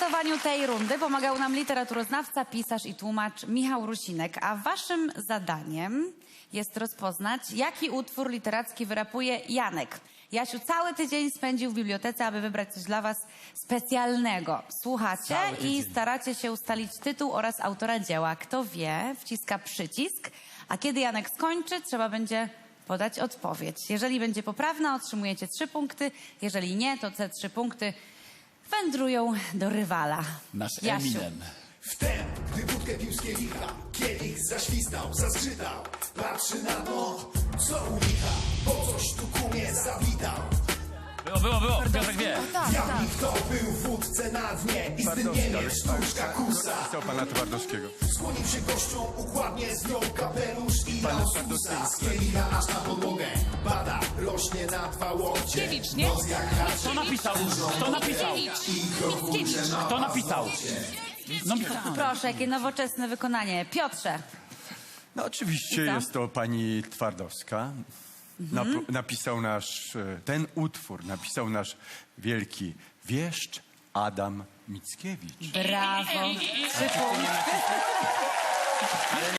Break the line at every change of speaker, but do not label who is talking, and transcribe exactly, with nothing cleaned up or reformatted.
przygotowaniu tej rundy pomagał nam literaturoznawca, pisarz i tłumacz Michał Rusinek, a waszym zadaniem jest rozpoznać, jaki utwór literacki wyrapuje Janek. Jasiu cały tydzień spędził w bibliotece, aby wybrać coś dla was specjalnego. Słuchacie i staracie się ustalić tytuł oraz autora dzieła. Kto wie, wciska przycisk, a kiedy Janek skończy, trzeba będzie podać odpowiedź. Jeżeli będzie poprawna, otrzymujecie trzy punkty. Jeżeli nie, to te trzy punkty wędrują do rywala.
Nasz
Jasiu.
Eminem.
Wtem, gdy wódkę pił z kielicha, kielich zaświstał, zaskrzytał. Patrzy na to, co u licha, bo coś tu kumie zawitał.
Było, było, było. Piotrek wie.
Jaki kto był w wódce na dnie i z tym niemie sztuczka kusa.
Chciał pana Twardowskiego.
Skłonił się gościom, układnie zdjął kapelusz i dał susa z kielicha aż na podłogę. Bada, rośnie na dwa łokcie. Nos jak haczyk.
Kto napisał? Kto napisał?
I krokurze na
Kto napisał? No,
Proszę, jakie nowoczesne wykonanie. Piotrze.
No oczywiście
I co?
jest to pani Twardowska. Nap- napisał nasz, e, ten utwór napisał nasz wielki wieszcz Adam Mickiewicz.
Brawo. Trzy punkty.